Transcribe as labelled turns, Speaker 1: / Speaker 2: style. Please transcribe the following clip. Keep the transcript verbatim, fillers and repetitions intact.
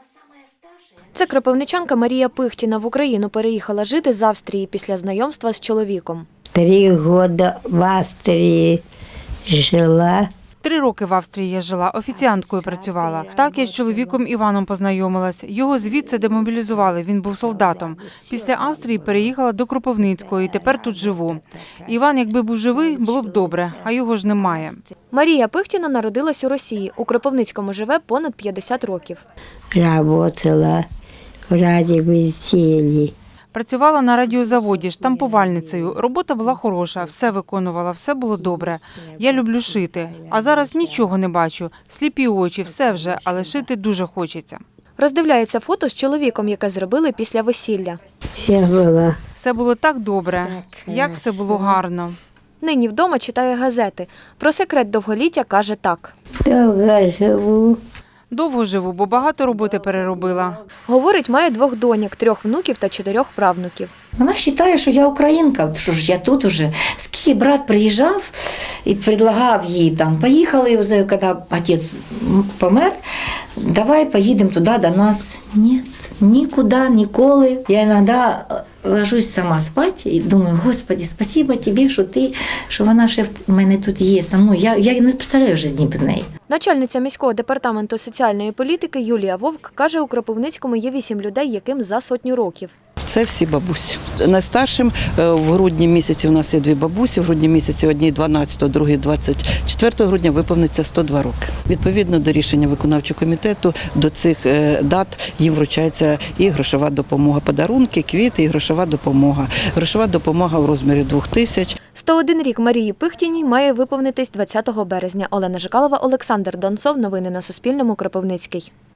Speaker 1: Це кропивничанка Марія Пихтіна. В Україну переїхала жити з Австрії після знайомства з чоловіком.
Speaker 2: Три роки в Австрії жила.
Speaker 3: Три роки в Австрії я жила, офіціанткою працювала. Так я з чоловіком Іваном познайомилась. Його звідси демобілізували, він був солдатом. Після Австрії переїхала до Кропивницького і тепер тут живу. Іван, якби був живий, було б добре, а його ж немає.
Speaker 1: Марія Пихтіна народилась у Росії. У Кропивницькому живе понад п'ятдесят років.
Speaker 2: Работала в радіовідділі.
Speaker 3: Працювала на радіозаводі, штампувальницею. Робота була хороша, все виконувала, все було добре. Я люблю шити, а зараз нічого не бачу. Сліпі очі, все вже, але шити дуже хочеться.
Speaker 1: Роздивляється фото з чоловіком, яке зробили після весілля.
Speaker 2: Все було.
Speaker 3: Все було так добре, як все було гарно.
Speaker 1: Нині вдома читає газети. Про секрет довголіття каже так.
Speaker 2: Довго живу.
Speaker 3: Довго живу, бо багато роботи переробила.
Speaker 1: Говорить, має двох доньок, трьох внуків та чотирьох правнуків.
Speaker 4: Вона вважає, що я українка, що ж я тут уже. Скільки брат приїжджав і предлагав їй там, поїхали вже, коли отець помер, давай поїдемо туди до нас. Ні, нікуди, ніколи. Я іноді ложусь сама спати і думаю, Господи, спасибо тобі, що ти, що вона ще в мене тут є, со мною. Я, я не представляю житті без неї.
Speaker 1: Начальниця міського департаменту соціальної політики Юлія Вовк каже, у Кропивницькому є вісім людей, яким за сотню років.
Speaker 5: Це всі бабусі. Найстаршим в грудні місяці у нас є дві бабусі, в грудні місяці одній дванадцятого, другій двадцять четвертого грудня виповниться сто два роки. Відповідно до рішення виконавчого комітету до цих дат їм вручається і грошова допомога, подарунки, квіти і грошова допомога. Грошова допомога в розмірі двох тисяч.
Speaker 1: сто один рік Марії Пихтіній має виповнитись двадцятого березня. Олена Жикалова, Олександр Донцов. Новини на Суспільному. Кропивницький.